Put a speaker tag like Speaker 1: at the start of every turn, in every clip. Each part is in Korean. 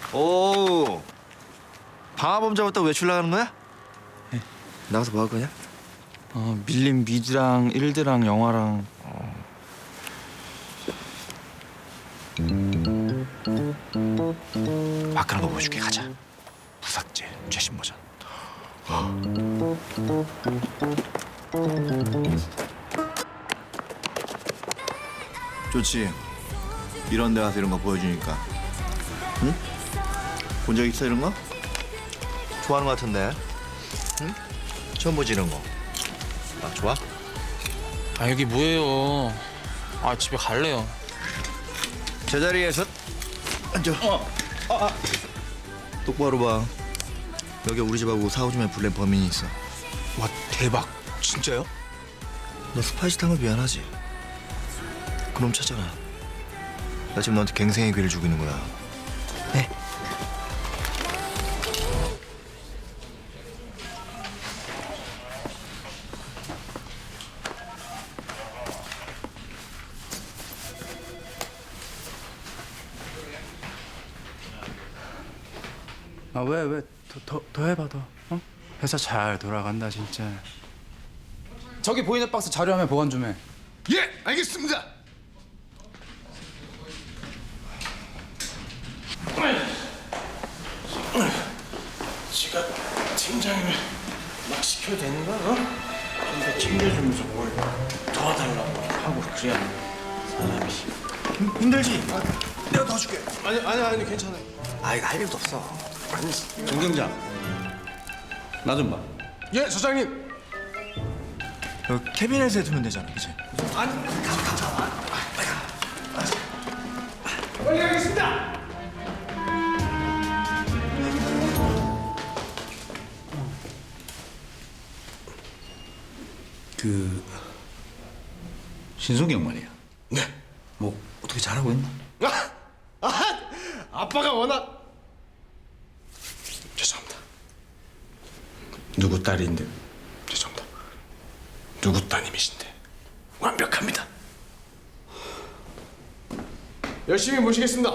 Speaker 1: 오, 방화범 잡았다고 외출 나가는 거야?
Speaker 2: 네.
Speaker 1: 나가서 뭐 할 거냐?
Speaker 2: 밀린 미드랑 일드랑 영화랑.
Speaker 1: 막그런 거 보여줄게. 가자. 부삭제 최신 버전. 좋지. 이런 데 가서 이런 거 보여주니까. 응? 본 적 있어 이런 거? 좋아하는 거 같은데. 응? 처음 보지 이런 거. 아 좋아?
Speaker 2: 아 여기 뭐예요? 아 집에 갈래요.
Speaker 1: 제자리에서 앉아. 똑바로 봐. 여기 우리 집하고 4, 5주에 불낸 범인이 있어.
Speaker 2: 와 대박. 진짜요?
Speaker 1: 너 스파이시 탄 거 미안하지? 그놈 찾아라. 나 지금 너한테 갱생의 기회를 주고 있는 거야. 네.
Speaker 3: 아 왜 더 해봐 더. 어? 회사 잘 돌아간다 진짜. 저기 보이는 박스 자료화면 보관 좀 해.
Speaker 4: 예, 알겠습니다. 지가 팀장이면 막 시켜도 되는 거야? 어? 좀 더 챙겨주면서 뭘 도와달라고 하고 그래야 사람이.
Speaker 1: 힘들지? 내가 도와줄게.
Speaker 4: 아니 괜찮아요.
Speaker 1: 아이 할 일도 없어.
Speaker 4: 아니 정경장, 나 좀 봐. 예, 소장님.
Speaker 1: 캐비넷에 두면 되잖아, 그치?
Speaker 4: 빨리 가겠습니다. 그 신송이 형 말이야.
Speaker 1: 네. 뭐 어떻게 잘하고 있나?
Speaker 4: 아빠가 워낙 죄송합니다. 누구 딸인데 죄송합니다. 누구 따님이신데 완벽합니다. 열심히 모시겠습니다.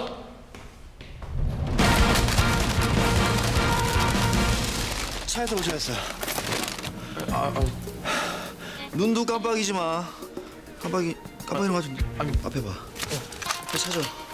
Speaker 1: 차에서 오셨어. 눈도 깜빡이지 마. 깜빡이는 거 좀. 앞에 봐. 앞에 찾아.